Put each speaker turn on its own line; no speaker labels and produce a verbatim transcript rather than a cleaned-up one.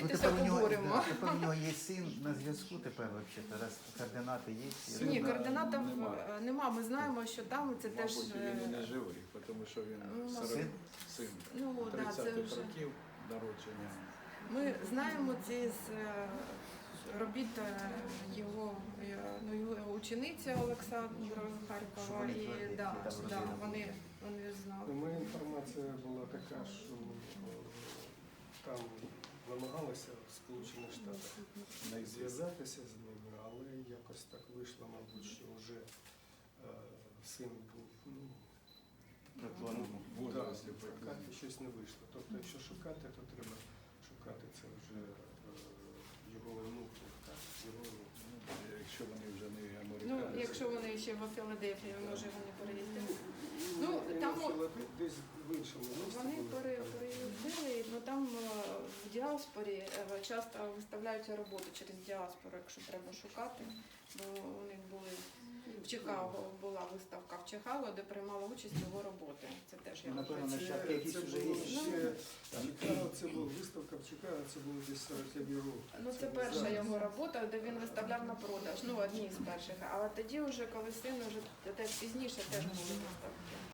Встретитися,
тепер у нього,
поговоримо.
да, тепер у нього є син на зв'язку тепер взагалі, раз координати є.
Ні,
Ірина-
координатів
Нема.
е, нема. Ми знаємо, що там це теж.
Мабуть,
е,
він і не живий, тому що він
Ну,
сорок
син?
син
Ну, да, це
тридцятих
вже.
років народження.
Ми знаємо ці з е, робіт е, його, е, ну, його учениця Олександра
Що
Харкова,
вони
і
твердять,
да,
там
да,
родина
вони, вони
У
знали.
мене інформація була така, що е, там намагалися в Сполучених Штатах зв'язатися з ними, але якось так вийшло, мабуть, що вже е, син був, ну,
Прикладно.
В возрасті
да,
прикладно.
шукати щось не вийшло. Тобто, якщо шукати, то треба шукати це вже е, його онуків, так, його онуків.
Ну, якщо вони вже не
Ну,
американці.
якщо вони ще в Філадельфії, може вони переїздили.
Ну,
Ну, там о-
десь в іншому місці.
Вони
були,
пере-
там.
переїздили, ну там е, в діаспорі е, часто виставляються роботи через діаспору, якщо треба шукати. Бо у них були в Чикаго була виставка в Чикаго, де приймала участь його роботи. Це теж я
Ну, напевно,
вважаю.
нащадки
Це,
якісь
це
вже
було
є.
ще Чикаго, це була виставка в Чикаго, це було десь сорокові роки.
Ну це
не
перша
зараз.
його робота, де він виставляв на продаж. Ну одні з перших. Але тоді, вже коли син вже теж пізніше теж були виставки.